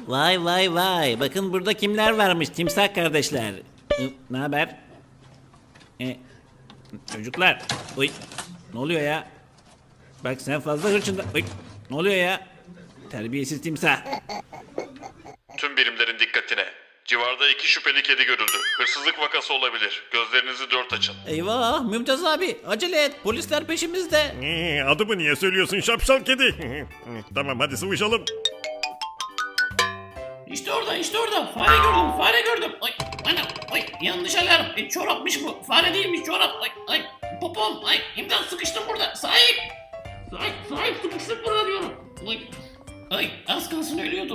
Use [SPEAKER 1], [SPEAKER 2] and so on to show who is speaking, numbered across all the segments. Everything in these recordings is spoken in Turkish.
[SPEAKER 1] Vay vay vay. Bakın burada kimler varmış timsah kardeşler. Ne haber? Çocuklar. Uy. Ne oluyor ya? Bak sen fazla hırçında. Uy. Ne oluyor ya? Terbiyesiz timsah.
[SPEAKER 2] Tüm birimlerin dikkatine. Civarda 2 şüpheli kedi görüldü. Hırsızlık vakası olabilir. Gözlerinizi dört açın.
[SPEAKER 1] Eyvah Mümtaz abi acele et polisler peşimizde.
[SPEAKER 3] Adımı niye söylüyorsun şapşal kedi? Tamam hadi sıvışalım.
[SPEAKER 4] İşte orada. Fare gördüm. Ay, anam, ay, yanlış alarm. Çorapmış bu. Fare değilmiş çorap. Ay, popom. Ay, imdat sıkıştım burada. Sahip, sıkıştım burada diyorum. Ay, az kalsın ölüyordum.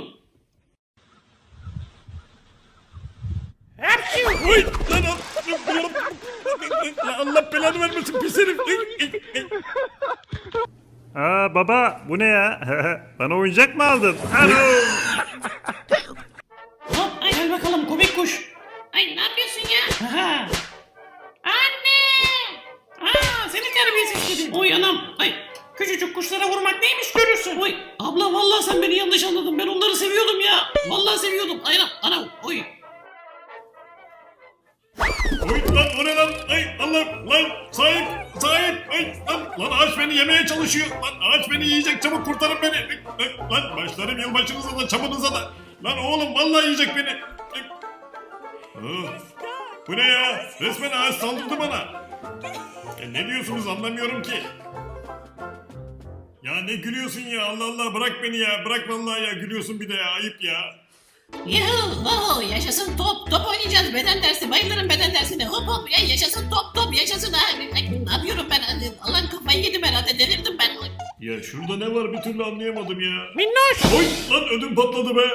[SPEAKER 3] Oy, lan Allah belanı vermesin pis herif. Aa baba bu ne ya? Bana oyuncak mı aldın? Alo.
[SPEAKER 4] Hop, ay, gel bakalım komik kuş. Ay, ne yapıyorsun ya? Aha. Anne! Seni terbiyesiz kedi. Oy anam. Ay, küçücük kuşlara vurmak neymiş görürsün. Oy, abla vallahi sen beni yanlış anladın. Ben onları seviyordum ya. Vallahi seviyordum. Ay anam. Oy.
[SPEAKER 3] Oy lan o ne lan? Ay Allah lan sahip. Ay lan ağaç beni yemeye çalışıyor. Lan ağaç beni yiyecek çabuk kurtarın beni. Lan başlarım yılbaşınıza da çamınıza da. Lan oğlum vallahi yiyecek beni. Bu ne ya? Resmen ağaç saldırdı bana. Ne diyorsunuz anlamıyorum ki. Ya ne gülüyorsun ya Allah Allah bırak beni ya. Bırak vallahi ya gülüyorsun bir de ya ayıp ya.
[SPEAKER 4] Yuhu, yaşasın top oynayacağız beden dersi, bayılırım beden dersine, hop ya yaşasın top yaşasın ha. Ne yapıyorum ben, Allah'ım kafayı yedim herhalde, delirdim ben.
[SPEAKER 3] Ya şurada ne var bir türlü anlayamadım ya.
[SPEAKER 4] Minnoş!
[SPEAKER 3] Oy lan ödüm patladı be.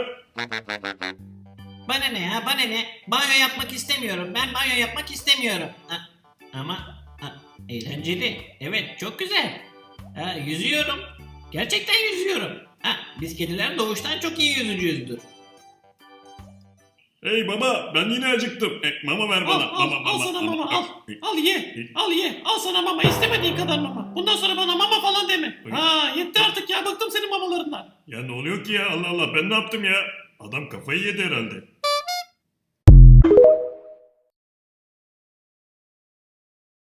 [SPEAKER 4] Bana ne, banyo yapmak istemiyorum, ben banyo yapmak istemiyorum. Ama eğlenceli, evet çok güzel. Yüzüyorum, gerçekten yüzüyorum. Biz kediler doğuştan çok iyi yüzücüyüzdür.
[SPEAKER 3] Hey baba ben yine acıktım. Mama ver bana.
[SPEAKER 4] Al sana mama al. Al ye. Al sana mama, istemediğin kadar mama. Bundan sonra bana mama falan deme. Yetti artık ya, bıktım senin mamalarından.
[SPEAKER 3] Ya ne oluyor ki ya Allah Allah ben ne yaptım ya? Adam kafayı yedi herhalde.